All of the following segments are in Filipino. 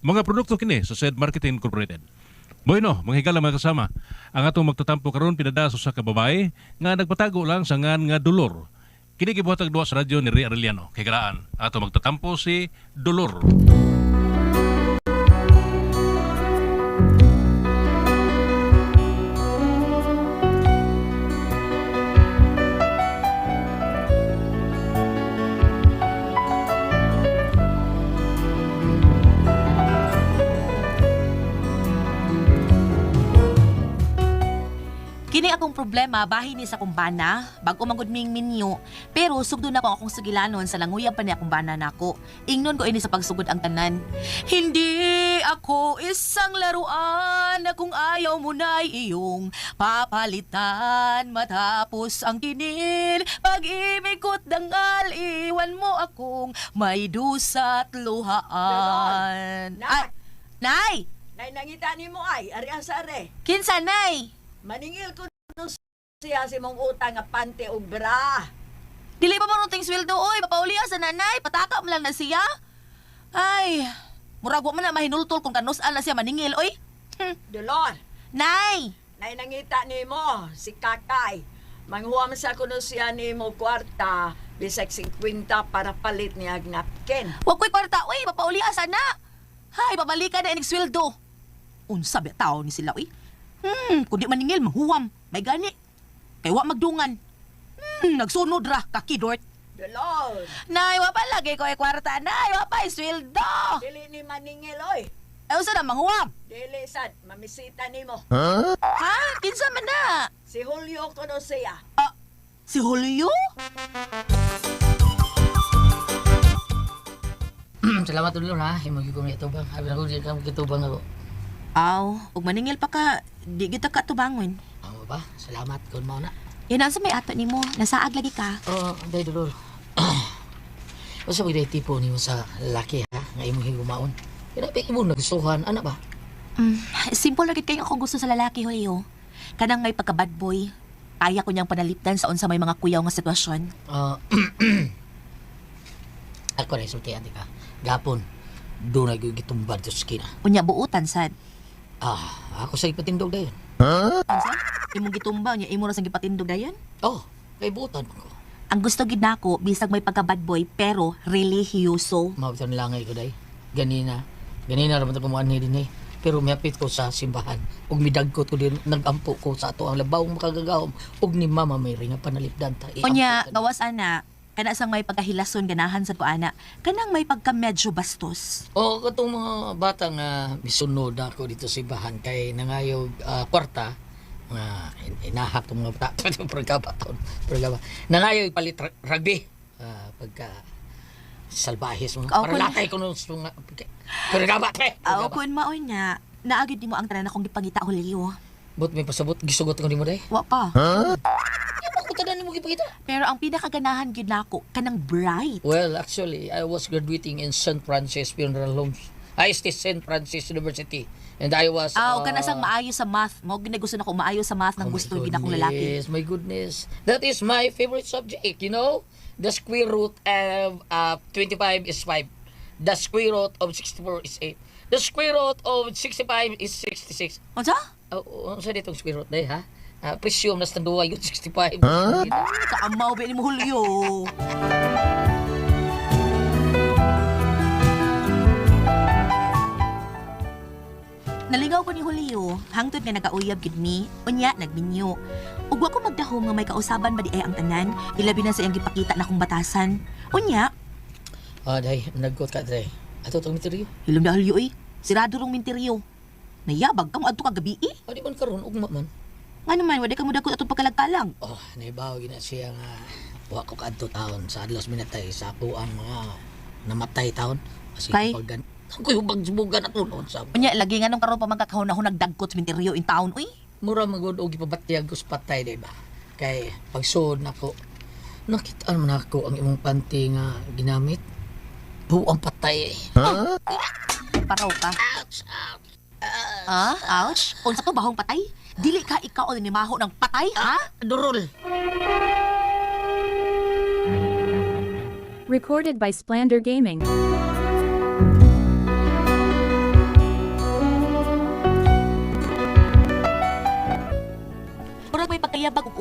Mga produkto kini sa Said Marketing Incorporated. Bueno, mga higala mga kasama, ang atong magtatampo karon pinadaso sa kababae nga nagpatago lang sa ngan nga dolor. Kini gibuhatag duwa sa radyo ni Ria Arellano. Kay galaan, ato magtatampo si Dolor. Kini akong problema bahin ni sa kumbana, bago magud ming minyo, pero sugdo na ko akong sugilanon sa languyab pa ni akong bana nako. Ingnon ko ini sa pagsugod ang tanan. Hindi ako isang laruan na kung ayaw mo na'y iyong papalitan matapos ang kinil. Pag-ibig ko't dangal, iwan mo akong may dusa't luhaan. Nak! Nay! Nay, nangita ni mo ay, ari asare. Kinsa, Nay? Maningil ko no siya si mong utang nga pante o bra. Dili pa marunting sweldo, oy. Papauliya sa nanay. Pataka mo lang na siya. Ay, murag wa man na mahinultol kung kanus-an na siya maningil, oy. Dolor, Nay! nay nangita ni mo, si Kakay. Manghuam sa kuno siya ni mo kwarta, bisag 50 para palit niya ang napkin. Huwag ko'y kwarta, oy. Papauliya sa na. Hay, babalikan na inig sweldo. Unsa ba tao ni sila, oy. Kung di maningil, mahuwam. May gani. Kay wa magdungan. Nagsunod ra, kakidort. Dolor, Nay, wa pa lagi ko kwarta, Nay. Wa pa sweldo. dili ni maningil oy. Eh, unsa na manghuwam? Dili sad, mamisita ni mo. Ha? Kinsa man na? Si Julio kuno siya. Si Julio? Salamat dulu ha. Himo gyud ko nga tubang. Abi na ko di ka kitubang ako. Aw, ug maningil pa ka, di kita ka tubangon. Amo ba? Salamat kun mao na. Yan ang sa may ato ni mo, nasaag lagi ka. Oh, day dulur. Usa mo day tipo nimo sa lalaki ha. Nga imong higumaon. Kaya pa imo nagustuhan ana ba? Simple lagi kayo ako gusto sa lalaki, Julio. Kanang may pagka-bad boy, kaya ko niyang panalipdan sa unsa may mga kuyaw nga sitwasyon. Ako na isultihan di ka. Gapon. Doon na gitumbad sa skina. Unya buutan sad. Ako sa ipatindog dayon. Unsa? Imong gitumba niya, imo ra sang gipatindog dayon. Oh, kay butan ko. Ang gusto gid nako bisag may pagka-bad boy pero religyoso. Mabitan langay ko day. Ganina raman ko muan ni din eh. Pero miapit ko sa simbahan. Ug midagkot ko din nagampo ko sa ato ang labawong makagagahom. Ug ni mama may ringa panalipdan ta. Unya gawas ana, kana sang may pagkahilason ganahan sa kuana. Kanang may pagka medyo bastos. O katong mga bata nga misunod ako dito sa simbahan kay nangayog kwarta nga inahak tong mga bata programa. Nangayog palit rugby pagka salbahis mga Ako para na- latay ko nung programa pre. Aw kun mao nya, naagid nimo ang tanan akong gipangita, Julio. But may pasabot gisugot ko nimo day. Wa pa. Ako tanan nimo gipakita. Pero ang pinakaganahan gid nako kanang bright. Well, actually, I was graduating in St. Francis Funeral Homes. I stay St. Francis University. And I was... Kana sang maayo sa math. Mao gid gusto nako maayo sa math nang gusto gid akong lalaki. Yes, my goodness. That is my favorite subject, you know? The square root of 25 is 5. The square root of 64 is 8. The square root of 65 is 66. Unsa? Ano sa ditong square root day, ha? Presume na standuwa yun, 65. Kaamaw ba ni mo, Julio? Naligaw ko ni Julio, hangtod nga nagauyab gid mi, unya nagminyo. Ug wa ko magdahom nga may kausaban ba di ay ang tanan, ilabi na sa iyang gipakita na kong batasan. Unya, Day, nagkot ka, day. Ato itong misteryo. hilom na Julio sirado rong minteryo. Nayabag ka mo adto ka gabi Di man karon ugma man. Nga naman, wala ka mo dagkot atong pagkalagkalang. Oh, naibaw gina siya nga wa ko kadto taon sa adlaw minatay sa ako ang mga namatay taon. Kasi Kay? paggan ako yung bagsubugan at unon sa Unya, lagi nga nung karon pa magkakahon nagdagkot sa minteryo in town, uy. mura magod og ipabatyag ko sa patay, di ba? Kay pagsuod nako nakita man ako ang imong panty nga ginamit. Buang patay. Paraw ka. Ouch, ouch. Ouch? Unsa to bahong patay? Dili ka ikaw o nimaho ng patay, ha? Durol. Recorded by Splander Gaming.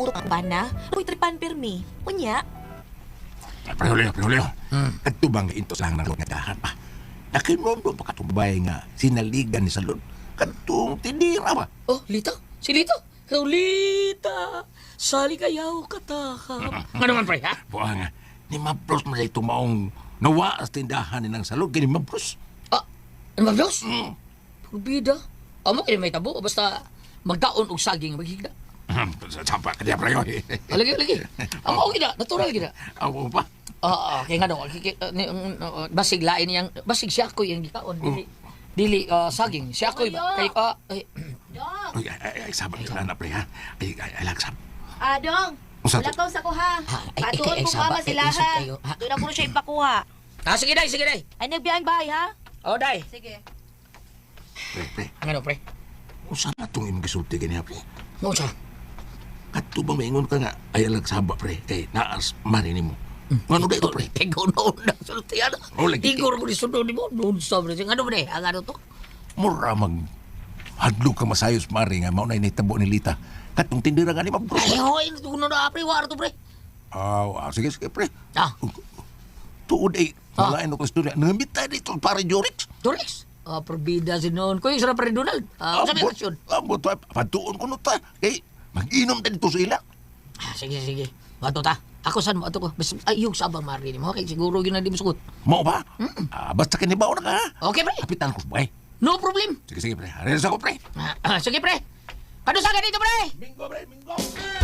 urok ang bana. Uy, tripan permi. Unya. Prehulio. Katubang nga into sang nang ngadahan pa. Nakinondo pa katubay nga sinaligan ni Salud. Katong tindira ba? Oh, Lita. Si Lita. Ikaw, Lita. Sali kayaw katakam. Ano man, pre, ha? Buha nga, ni Mabros man ito maong nawa sa tindahan ni ng Salud. Kaya ni Mabros. Ah, ano ba, Diyos? Bida. Amo kayo may tabo. Basta magdaon og saging maghigda. Sapa ka niya, preyo. Lagi. Amo okay na. Natural gina. Ako pa. Kaya nga daw. Basig lain niyang. Basig siya ko yung gikaon. Dili saging. Siya ko iba. Kay Ay, sabang ka na, pre, ha? Ay, lagsam. Dong. Usa to? Lakaw sa kuha. Patuon ko saba, mama sila isip ha. kayo, ha? Doon na ko siya ipakuha. Sige, day. Ay, nagbiyahin bahay ha? Oh, day. Sige. Pre. Ano, pre? Usa na itong imong gisulti ka niya, pre? Mo siya. Katubang maingon ka nga, ay lagsaba, pre. Kay naas marinig mo. Ano ba ito, pre? Pegaw noon na sultiyan. Oh, lagi. Igor ko ni sunod ni mo. Noon sa pre. Ano ba, day? Ang ano to? Mura mag hadlok ka masayos, mari nga. Maunay na itabo ni Lita. Katong tindira nga ni Mabros. Ay, hoy. Tuno na, pre. Wara to, pre. Sige, pre. Ah. Tuod ay, mga ko istorya. Nangambit tayo dito para Jorix. Dorex. Probida si noon. Kuya, sarap pa rin Donald. Sabi Ambot, aksyon. patuon ko no ta. Kay, mag-inom tayo dito sa ila. Sige. Bato ta. Ako saan mo? Ato ko. Ay, yung sabang marinig mo. Okay, siguro yun na di mo sugot. Mau ba? Basta kanibaw na ka. Okay, pre. Kapitan ko, bay. No problem. Sige, pre. Hareras ako, pre. Sige, pre. Kadusagan dito, pre. Bingo, pre. Bingo.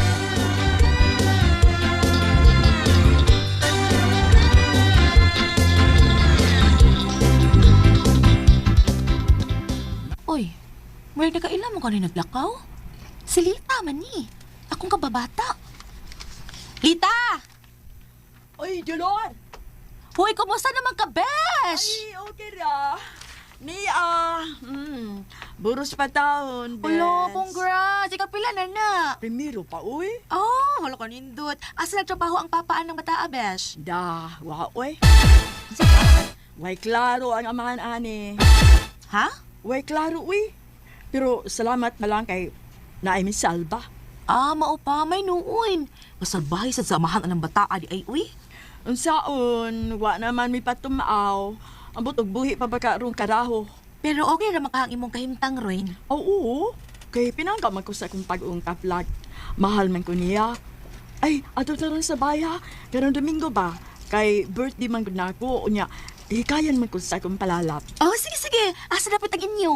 Uy, where na kailan mo ka rin naglakaw? Si Lita man ni. Akong kababata. Lita! Uy, Jolor! Hoy, kumusta naman ka, besh? Ay, okay ra. Buros pa taon, bes. Hello, congrats. Ikaw pila na. Primero pa, uy. Oh, wala ka nindot. Asa nagtrabaho ang papaan ng bata, besh? Da, uy. Way klaro ang amahan, ani. Ha? Way klaro, uy. Pero salamat na lang kay naay mi salba. Mao pa, may nuuin. Masalbahay sa samahan ng bata, adi ay, uy. Unsaon, wa naman mi patumaaw. Ambot og buhi pa ba ka rong karaho. Pero okay ra makahang imong kahimtang, Royn. Oo, kay pinangka man ko sa akong pag-ungkap lag. Mahal man ko niya. Ay, ato na rin sa baya. Karong Domingo ba? Kay birthday man ko na ako. Unya, hikayan man ko sa akong palalap. Oh, sige. Asa dapat ang inyo?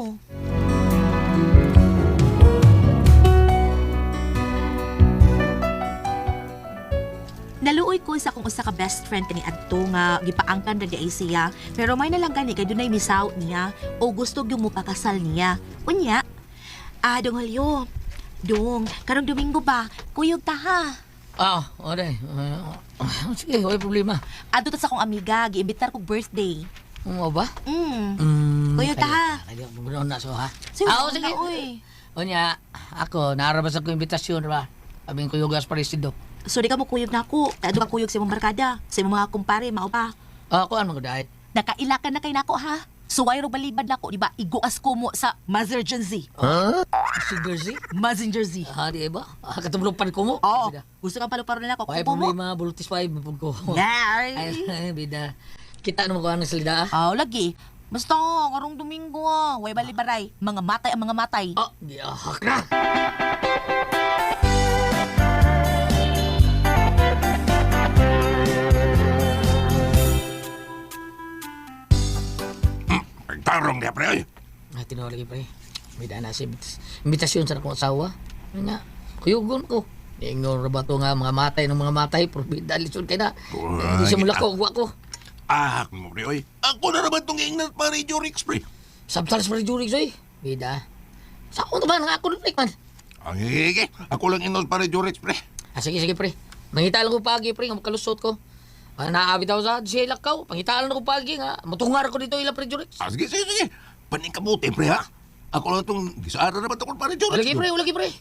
Naluoy ko sa akong usa ka best friend kani adto nga gipaangkan ra di ay siya, pero may nalang gani kay dunay misaw niya o gusto gyud mo pakasal niya. Unya, dong halyo. Dong, karong Domingo ba? Kuyog ta ha. Day. Sige, wala problema. Adto ta sa akong amiga, giimbitar ko birthday. Mo ba? Kuyog ta ha. Kaya mo na so, ha? Sige, Sige. uy. Unya, ako, narabas ako imbitasyon, ba? Abing ko yung gas parisido. So di ka mo kuyog na ako. Kaya ka kuyog sa imong barkada, sa imong mga kumpare, mao pa. Ako, ano ko dahil? Nakailakan na kay nako ha. Suway ro balibad nako, di ba? Iguas ko mo sa Mazinger Z. Si Jersey? Mazinger Z. Di ba? Katulog pan ko mo. Oo. Gusto kang palu-paro na ako. Ay, Kupo mo. problema, bulutis pa, mapag ko. Nay. Ay, bida. Kita naman ko ang salida, Lagi. Basta, karong Domingo way balibaray. Mga matay ang mga matay. Giyahak na. Tarong niya, pre. Tinawag lagi, pre. May daan na si imbitasyon sa akong asawa. Ano nga, kuyugon ko. Ingon ba ito nga mga matay ng mga matay, pero bidalisyon kayo na. Hindi siya mula ko, ko. Mo, pre, oy. Ako na naman itong ingnat para Jorix, pre. Sabtals pa rin Jurix, oy. Bida. Sa ako naman, nga ako na, man. Sige. Ako lang ingnat para Jorix, pre. Sige, pre. Mangita lang ko pagi, pre, nga makalusot ko. Naabit ako sa sila ko. Pangitaan lang ko pagi nga. Matungar ko dito ilang pre Jurix. Sige. Paning kabuti, pre, ha? Ako lang itong gisara naman itong para Jorix. Ulagi, pre.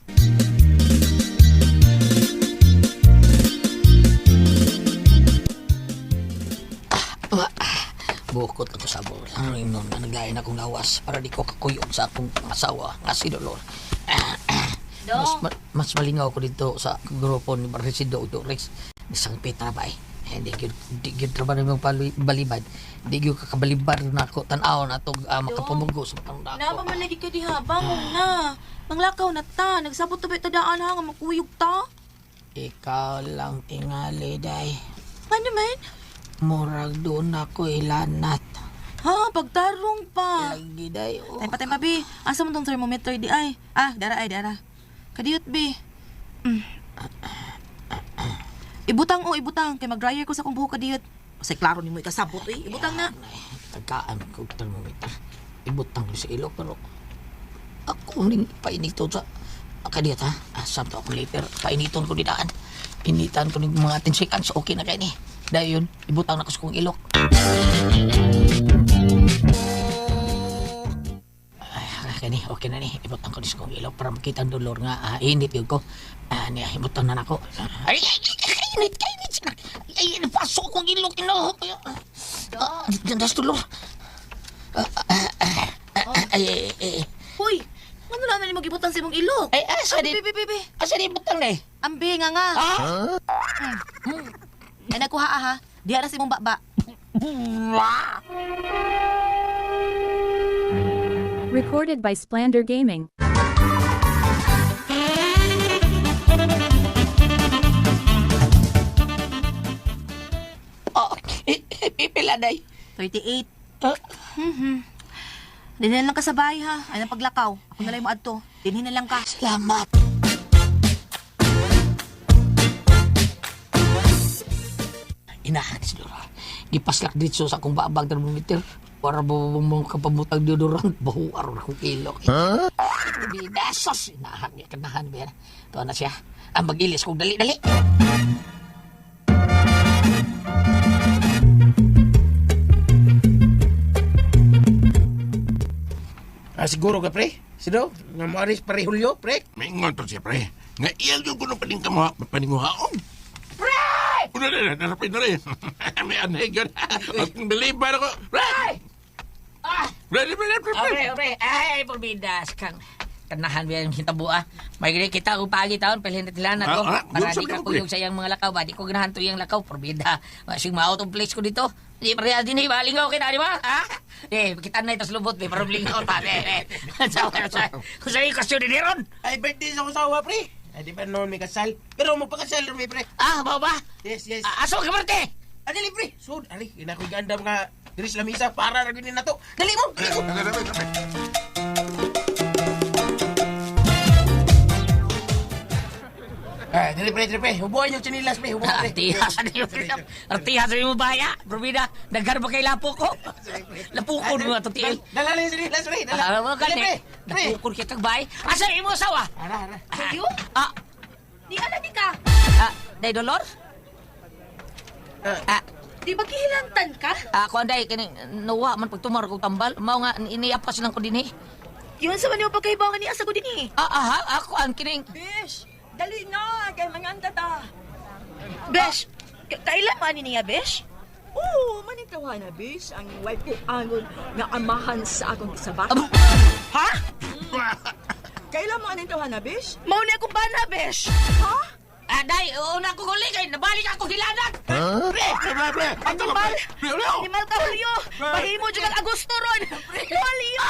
Bukod ako sa bol. Ano yun nun? Naglayan akong lawas para di ko kakuyog sa akong asawa nga si Dolor. Mas malingaw ko dito sa grupo ni Resido Dorex. Isang pita ba eh. Hindi gyud trabaho nimong balibad. Hindi gyud kakabalibad na ako tan-aw na to makapumugo sa pangdako. Napamalagi ka diha, bangon na. Manglakaw na ta, nagsabot ta ba itadaan ha, nga makuyog ta? Ikaw lang tingali, day. Ano man? Murag doon ako ilanat. Ha, pagtarong pa. Lagi, day. Oh. Tay pa, bi. Asa mo tong thermometer di ay? Dara. Kadiyot, bi. Ibutang. Kay mag-dryer ko sa kong buhok kadiyot. Kasi klaro ni mo ikasabot, eh. Ibutang na. Tagaan ko thermometer. Ibutang ko sa ilo, pero ako ning painiton sa kadiyot, ha? Asam to akong liter. Painiton ko didaan. Initan ko ng mga 10 seconds. Okay na kayo ni. Dahil yun, ibutang na ko sa kong ilok. Okay na ni. Ibutang ko sa kong ilok para makita ang dolor nga. Init yun ko. Ibutang na ako. Ay, init. Ay, pasok kong ilok. Das dolor. Hoy, ano naman ni mag-ibutang sa imong ilok? Ay, asa di? Bi. Asa di ibutang na eh? Ambi nga. Ay, nakuha ha. Diya na si mong baba. Recorded by Splander Gaming. Pipila, day. 38. Dinhin lang ka sa bahay ha. Ay nang paglakaw. Ako na lang mo adto. Dinhin na lang ka. Salamat. Inahan si Dora. Gipaslak dito sa akong babag thermometer. Para mo kapamutang deodorant. Bahuar akong ilok. Bidasos. Inahan niya. Kanahan ba yan? Ito na siya. Ang mag-ilis kong dali-dali. Siguro ka, pre? Sino? Nga maaris pare Julio, pre? May ngonton siya, pre. Nga iyang yung kuno paninguhaon. Pre! Una na, narapin na rin. May anay gan. At balibar ako. Pre! Pre. Ay, porbidas kang. Kanahan ba yung hintabua? May gini kita kung pagi taon, pelhin na tilan ako. Para di ka kuyog sa iyang mga lakaw ba? Di ko ganahan to iyang lakaw, porbida. Masing ma-out of place ko dito. Di pa rin din, balingaw kita, di ba? Ha? Kita na ito sa lubot, para blingaw pa. Kung sa'yo kasyon din ron. Ay, birthday sa kusawa, pre. Ay, di pa noon may kasal. Pero magpakasal rin, pre. Bao ba? Yes. Aso ka, Marte? Adali, pre. So, ali, inakoy ganda mga diris lamisa para rin na to. Dali mo! Dali, pre. Hubuhan yung chinilas, pre. Hubuhan, pre. Artihas rin mo baya. Probida, nagkar ba kay lapo ko? Lapukon mo nga ito, tiil. Dala lang yung chinilas, pre. Dala mo ka, pre. Lapukon kita bay. Asa imo sawa? Ara. Kayo? Di alagi ka. Day dolor? Di ba kihilantan ka? Ako anday, kaning nawa man pagtumar ko tambal. Mao nga, iniapas lang ko din eh. Yun sa man yung pagkaibangan ni asa ko din eh. Ako ang kining. Bish, dali na. Kaya manganda ta. Besh, kailan mo ani niya, Besh? Oo, manitawa na, Bish. Ang wife ko angon nga amahan sa akong sabak. Ha? Kailan mo anitawa na, Bish? Mao ni akong bana, Besh. Ha? Day, una ko kuligay, nabalik ako hilanat. Pre! Animal! Animal ka, Julio! Mahimo dyan ang Agosto ron! Julio!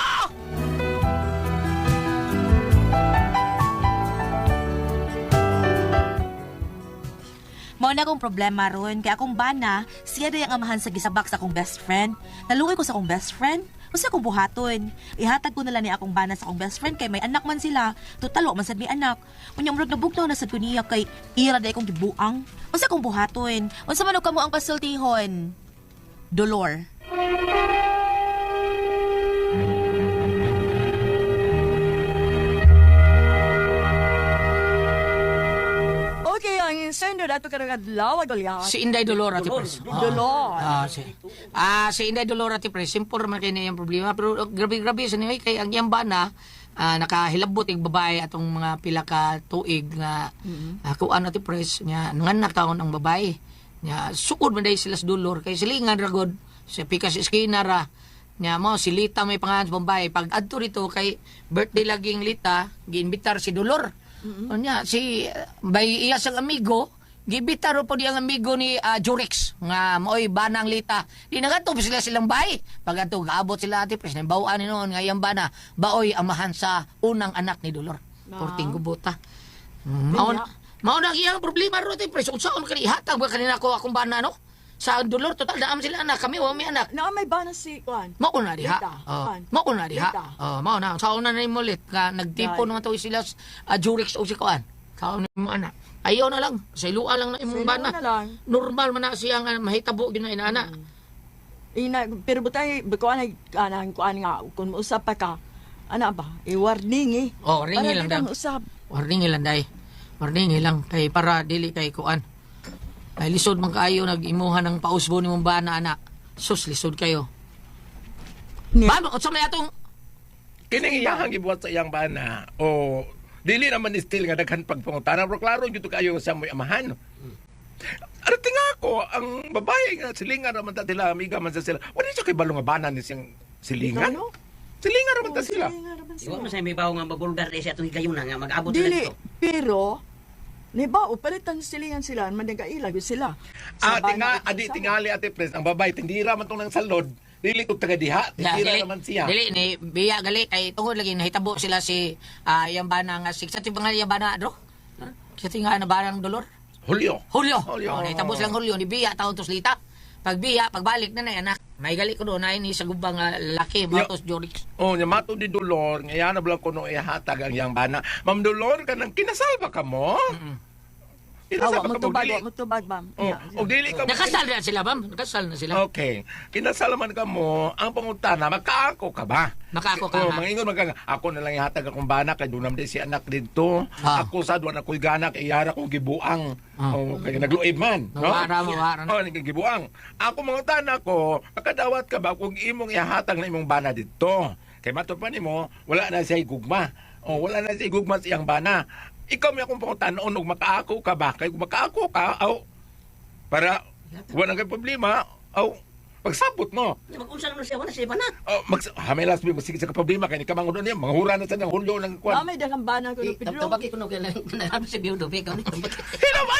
Mao na akong problema ron, kaya akong bana, siya day ang amahan sa gisabak sa akong best friend. Naluoy ko sa akong best friend, kasi akong buhaton. Ihatag ko na lang ni akong bana sa akong best friend, kay may anak man sila. Tutalo man sad may anak. Unya murag nabugnaw na sad ko niya, kay ira day akong gibuang. Kasi akong buhaton. Unsa man og kamo ang pasultihon? Dolor. Okay, ang sender dato ka adlaw agolya. Si Inday Dolor ati pres. Dolor. Si Inday Dolor ati pres, simple man kay niyang problema, pero grabe sa niya kay ang iyang bana nakahilabot ig babae atong mga pila ka tuig nga kuan ati pres nya nanganak taon ang babae. Nya sukod man day sila sa Dolor kay silingan ra gud sa pikas eskina ra Nya mo si Lita may pangalan sa Bombay. Pag adto rito kay birthday laging Lita, giinbitar si Dolor. Nya si bay iya sang amigo, gibitar po di ang amigo ni Jurex nga moy banang Lita. Di nagatop sila silang bay. Pag adto gaabot sila ati pres bawaan ni noon nga iyang bana, baoy amahan sa unang anak ni Dolor. Porting gubota. Mao na iyang problema ro ti pres. Unsaon kani ihatag ba kanina ko akong bana no? Sa Dolor total naam sila anak, kami wa may anak. Na may bana si Kuan. Mao na diha. Lita, Juan. Mao na diha. Lita. Mao na sa una na imulit nga nagtipo Right. naman to sila Jurex o si Kuan. Kaon ni mo anak. Ayaw na lang, sa iluan lang na imong Sa bana. iluan na lang. Normal man na siya nga mahitabo gyud na inaana. Pero butay Kuan ay kanang Kuan nga kung mausap pa ka. Ana ba? I-warning eh. Oh, ringi lang Para daw. di ka mausap. Warning lang day. Warning lang kay para dili kay Kuan. Ay lisod man kaayo nag-imuhan ng pausbo ni mong bana anak. Sus lisod kayo. Ni- Ba, unsa may atong Kining iyahang gibuhat sa iyang bana o dili naman ni still nga daghan pagpangutana pero klaro gyud kayo sa moy amahan. Arte nga ako, ang babae nga silingan raman ta sila, amiga man sa sila. Wala siya kay balong nga bana ni siyang silingan. Ano? Silingan raman ta sila. Iwa mo sa may bawo nga mabulgar dahil siya itong higayuna nga mag-abot sila Dili, dito. pero ni ba upalitan silingan sila, managailag sila. Tingali ate pres, ang babae tindira man tong nang salod, dili ko taga diha, tindira naman siya. Dili ni biya gali kay tungod lagi nahitabo sila si yang bana nga sa tinga yang bana dro. Sa tinga na barang Dolor. Julio. Julio. Julio. Nahitabo silang Julio ni biya taon tos Lita. Pag biya pagbalik na anak. May gali ko doon ay ni sa gubang laki matos Jorix. Oh, nya mato di Dolor, ngayon na blang kuno ihatag ang iyang bana. Ma'am Dolor, kanang kinasal ba ka mo? Kinasal Awa ba mo ka mo? tubag, Dili? wa mo tubag, ma'am. Oh, o dili ka mo. Nakasal na sila, ma'am. Nakasal na sila. Okay. Kinasal man ka mo, ang pangutana, magkaako ka ba? Makaako ka, Oh, ha? mangingon ako na lang ihatag akong bana kay dunam di si anak dito. Ah. Ako sa duwa na ko'y gana kay yara kong gibuang. Oh, kay nagluib man, no? Mawara na. Oh, gibuang. Ako mangutana ko, makadawat ka ba kung imong ihatag na imong bana dito? Kay mato pa nimo, wala na siya gugma. Oh, wala na siya gugma sa iyang bana. Ikaw may akong pangutanon og makaako ka ba? Kay kung makaako ka, para wala kay problema, pagsabot mo. Mag-unsa naman siya, wala siya ba na? Hamelas mo sige sa problema kay ni kamangon niya, manghura na sa nang Hulyo ng kwan. May dagang bana ko, Pedro. Tabaki ko na kailangan si Biudo. Ikaw ni tabaki. Hinamay!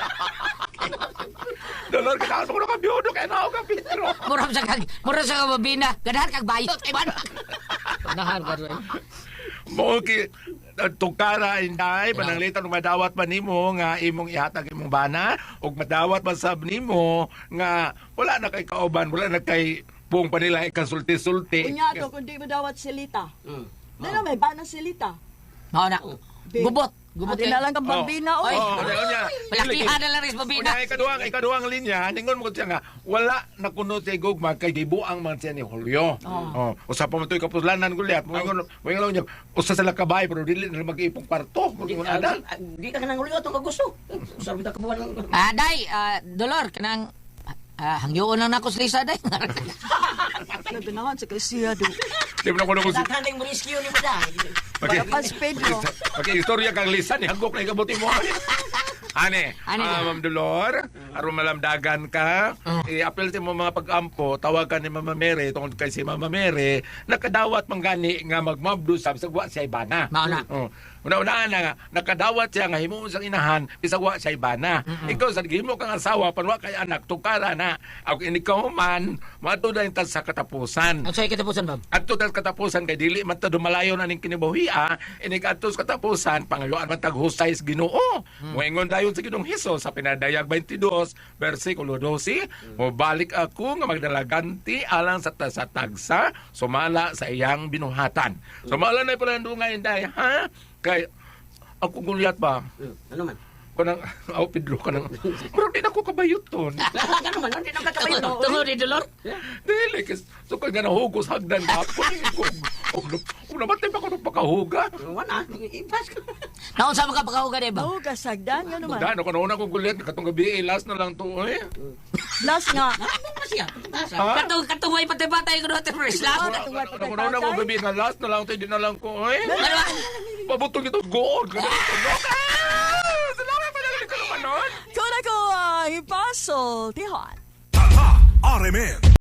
Dolor, kailangan mo na ka-biyodo, kaya na ako ka, Pedro. Mura sa kababina. Ganahan kag bayot. Ay, man. Ganahan ka rin. Mo ki tukara inday pananglitan ng madawat man nimo nga imong ihatag imong bana ug madawat man sab nimo nga wala na kay kauban, wala na kay buong panila ikonsulti-sulti. Unya to, kung di mo dawat silita. Dala may bana silita. Mao na. Gubot. Gubot Adi na lang kang bambina, Ay, oy. Unya. Palakihan na lang rin sa babina. Unya ikaduhang linya, ningon mo siya nga wala na kuno si gugma kay gibuang man siya ni Julio. Usa pa man toy kapuslanan gulyat. Mo ingon niya, usa sila kabay pero dili na mag-ipong kwarto. Mo ada. Di ka nang uliot ang kagusto. Sabi ta kabuan lang. Day, Dolor, kanang hangyoon lang na ako sa Lisa, day. Nabinahan sa kasiya, do. Di mo na kuno Tatanding mo rescue ni mo da. Pas Pedro. Pag-istorya kang lisan, hangok na ikabuti mo. Ane, Ma'am Dolor, aron malamdagan ka, i-apel sa mo mga pag-ampo, tawagan ni Mama Mary, tungkol kay si Mama Mary, nakadawat man gani nga magmabdo sa sagwa siya ibana. Mauna. Una-unaan na nga, nakadawat siya nga himuon sa inahan, bisagwa siya ibana. Ikaw, sa himo kang asawa, panwa kay anak, tukara na. Ako inikaw man, matuda yung sa katapusan. Ang sa'yo kitapusan, ma'am. At to katapusan kay dili man ta dumalayo na ning kinibuhia inig atos katapusan pangayuan man taghusay sa Ginoo. Moingon dayon sa Ginoong Hesus sa pinadayag 22 bersikulo 12, mo balik ako nga magdalaganti alang sa tagsa sumala sa iyang binuhatan. Sumala na pala ndungay inday ha kay ako gulyat ba Ano man? kanang Pedro kanang murag di na ko kabayot ton. Ano man? Hindi na kakabayo. Tungod ni Dolor. Dili, so kung nga nahugos hagdan ka, kung namatay pa ko ng pakahuga. Wala. Ipas ka. Naon sa mga pagkahuga, di ba? Oh, kasagdan, nga naman. Dahil ako nauna kong gulit, katong gabi, last na lang to eh. Last nga. Ano ba siya? Ha? Katungay patay-patay ko doon, First Last. Ako nauna kong gabi, nga last na lang to, hindi na lang ko eh. Pabutong ito, goon. Salamat pa lang ka naman nun. Kung ako, ipasol, tihon. RMN